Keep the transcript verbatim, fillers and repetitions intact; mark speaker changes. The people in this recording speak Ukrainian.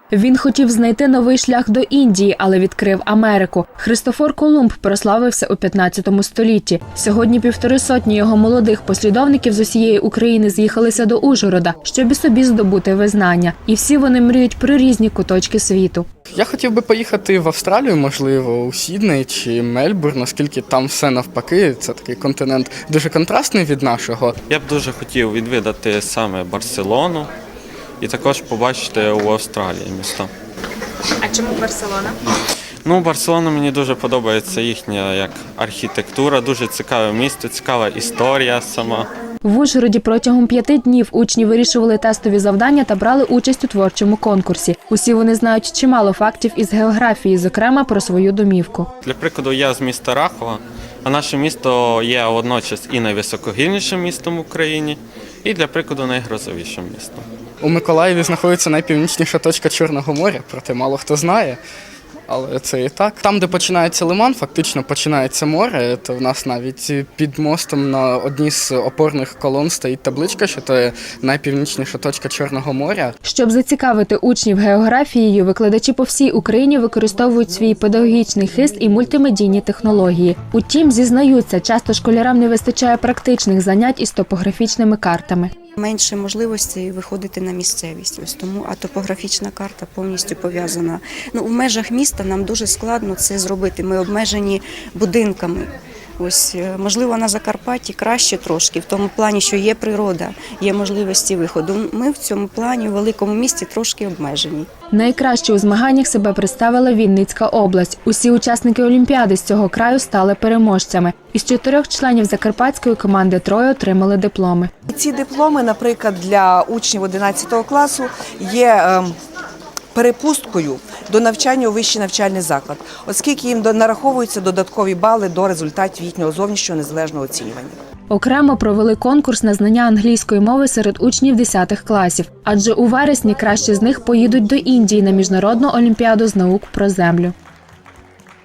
Speaker 1: Він хотів знайти новий шлях до Індії, але відкрив Америку. Христофор Колумб прославився у п'ятнадцятому столітті. Сьогодні півтори сотні його молодих послідовників з усієї України з'їхалися до Ужгорода, щоб і собі здобути визнання. І всі вони мріють про різні куточки світу.
Speaker 2: Я хотів би поїхати в Австралію, можливо, у Сідней чи Мельбурн, оскільки там все навпаки, це такий континент дуже контрастний від нашого.
Speaker 3: Я б дуже хотів відвідати саме Барселону і також побачити у Австралії місто.
Speaker 4: А чому Барселона?
Speaker 3: Ну, Барселона мені дуже подобається їхня як архітектура, дуже цікаве місто, цікава історія сама.
Speaker 1: В Ужгороді протягом п'яти днів учні вирішували тестові завдання та брали участь у творчому конкурсі. Усі вони знають чимало фактів із географії, зокрема про свою домівку.
Speaker 3: Для прикладу, я з міста Рахова, а наше місто є водночас і найвисокогірнішим містом в Україні, і, для прикладу, найгрозовішим містом.
Speaker 2: У Миколаєві знаходиться найпівнічніша точка Чорного моря, проте мало хто знає. Але це і так. Там, де починається лиман, фактично починається море, то в нас навіть під мостом на одній з опорних колон стоїть табличка, що це найпівнічніша точка Чорного моря.
Speaker 1: Щоб зацікавити учнів географією, викладачі по всій Україні використовують свій педагогічний хист і мультимедійні технології. Утім, зізнаються, часто школярам не вистачає практичних занять із топографічними картами.
Speaker 5: Менше можливостей виходити на місцевість. Ось тому, а топографічна карта повністю пов'язана. Ну, в межах міста нам дуже складно це зробити. Ми обмежені будинками. Ось, можливо, на Закарпатті краще трошки, в тому плані, що є природа, є можливості виходу. Ми в цьому плані в великому місті трошки обмежені.
Speaker 1: Найкраще у змаганнях себе представила Вінницька область. Усі учасники Олімпіади з цього краю стали переможцями. Із чотирьох членів закарпатської команди троє отримали дипломи.
Speaker 6: Ці дипломи, наприклад, для учнів одинадцятого класу є перепусткою до навчання у вищий навчальний заклад, оскільки їм нараховуються додаткові бали до результатів їхнього зовнішнього незалежного оцінювання.
Speaker 1: Окремо провели конкурс на знання англійської мови серед учнів десятих класів, адже у вересні кращі з них поїдуть до Індії на міжнародну олімпіаду з наук про землю.